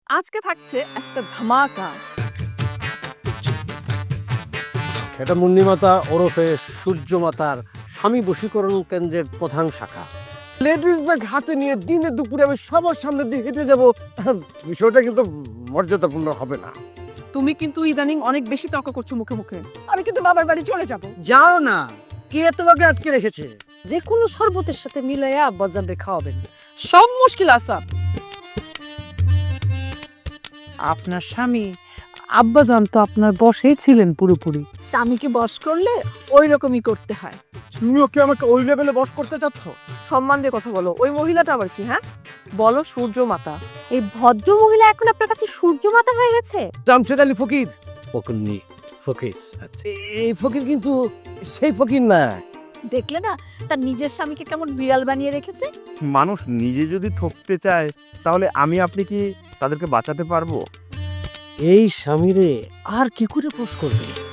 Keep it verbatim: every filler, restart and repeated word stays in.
আজকে থাকছে একটা ধামাকা। এটা মুন্নিমাতা ওরফে সূর্যমাতার স্বামী বশীকরণ কেন্দ্রের প্রধান শাখা। লেডিস ব্যাগ হাতে নিয়ে দিনে দুপুরে আমি সবার সামনে দিয়ে হেঁটে যাব, বিষয়টা কিন্তু মর্যাদাপূর্ণ হবে না। তুমি কিন্তু ইদানিং অনেক বেশি তর্ক করছো মুখে মুখে। আমি কিন্তু বাবার বাড়ি চলে যাব। যাও না, কে তোমাকে আটকে রেখেছে? যে কোনো শরবতের সাথে মিলাইয়া আব্বাজানরে খাওয়াবেন। সব মুশকিল আসাব। আপনার স্বামী আব্বাজান তো আপনার বশেই ছিলেন পুরোপুরি। স্বামীকে বশ করলে ওই রকমই করতে হয়। তুমিও কি আমাকে ওই লেভেলে বস করতে চাচ্ছ? সম্মান দিয়ে কথা বলো। ওই মহিলাটা আবার কি? হ্যাঁ, বলো সূর্য মাতা। এই ভদ্র মহিলা এখন আপনার কাছে সূর্য মাতা হয়ে গেছে? জামশেদ আলী ফকির। ফকিরনি, ফকির। আচ্ছা, এই ফকির কিন্তু সেই ফকির না। দেখলে না তার নিজের স্বামীকে কেমন বিড়াল বানিয়ে রেখেছে। মানুষ নিজে যদি ঠকতে চায় তাহলে আমি আপনি কি তাদেরকে বাঁচাতে পারবো? এই স্বামীরে আর কি করে পোষ করবে?